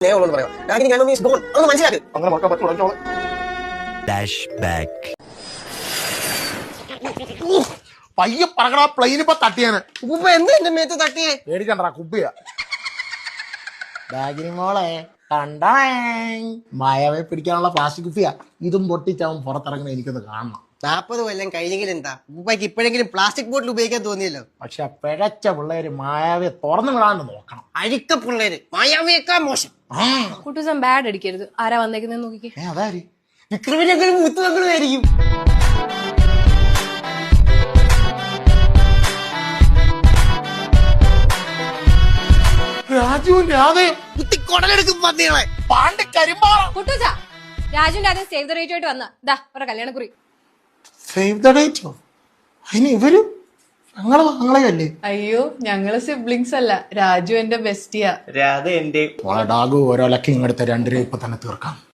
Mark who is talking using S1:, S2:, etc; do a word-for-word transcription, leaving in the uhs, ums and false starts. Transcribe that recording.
S1: പയ്യെ പറക്കണ പ്ലെയിൻ ഇപ്പൊ തട്ടിയാണ്.
S2: ഉപ്പ എന്താ എന്റെ മേത്ത് തട്ടിയേ?
S1: പേടിക്കണ്ട, കുപ്പിയ. ബാഗിനി മോളെ കണ്ടേ, മായാവെ പിടിക്കാനുള്ള പ്ലാസ്റ്റിക് കുപ്പിയാ. ഇതും പൊട്ടിച്ചാവും പുറത്തിറങ്ങുന്ന എനിക്കൊന്ന് കാണണം.
S2: നാപ്പത് കൊല്ലം കഴിഞ്ഞെങ്കിലും എന്താ ഉപ്പയ്ക്ക് ഇപ്പോഴെങ്കിലും പ്ലാസ്റ്റിക് ബോട്ടിൽ ഉപയോഗിക്കാൻ തോന്നിയല്ലോ.
S1: പക്ഷെ പിഴച്ച പിള്ളേര് മായാവെ തുറന്നു വിടാണ്ട് നോക്കണം.
S2: അഴുക്ക പിള്ളേര് മായാവിയേക്കാ മോശം.
S3: കുട്ടൂസം ബാഡ് അടിക്കരുത്. ആരാ വന്നേക്കുന്നത് നോക്കിക്കേ.
S1: അതാര്?
S2: വിക്രമിനെങ്കിലും മുത്തുമക്കളുമായിരിക്കും.
S1: രാജുവിന്റെ അതേ
S2: കുത്തി കൊടലെടുക്കും പന്നികളെ.
S1: പാണ്ട് കരിമ്പാറ.
S3: കുട്ടൂസ, രാജുവിന്റെ ആദ്യം സേവ് ദ റേറ്റ് ആയിട്ട് വന്ന ദാ ഒരു കല്യാണക്കുറി.
S1: Save the ഡേറ്റോ? അതിന് ഇവരും ഞങ്ങള് ഞങ്ങളെയല്ലേ?
S4: അയ്യോ, ഞങ്ങള് സിബ്ലിങ്സ് അല്ല, രാജു എന്റെ ബെസ്റ്റിയാ.
S5: രാധ എന്റെ.
S1: ഡാഗു ഓരോ ലക്കിങ് എടുത്ത രണ്ടുപേരും ഇപ്പൊ തന്നെ തീർക്കാം.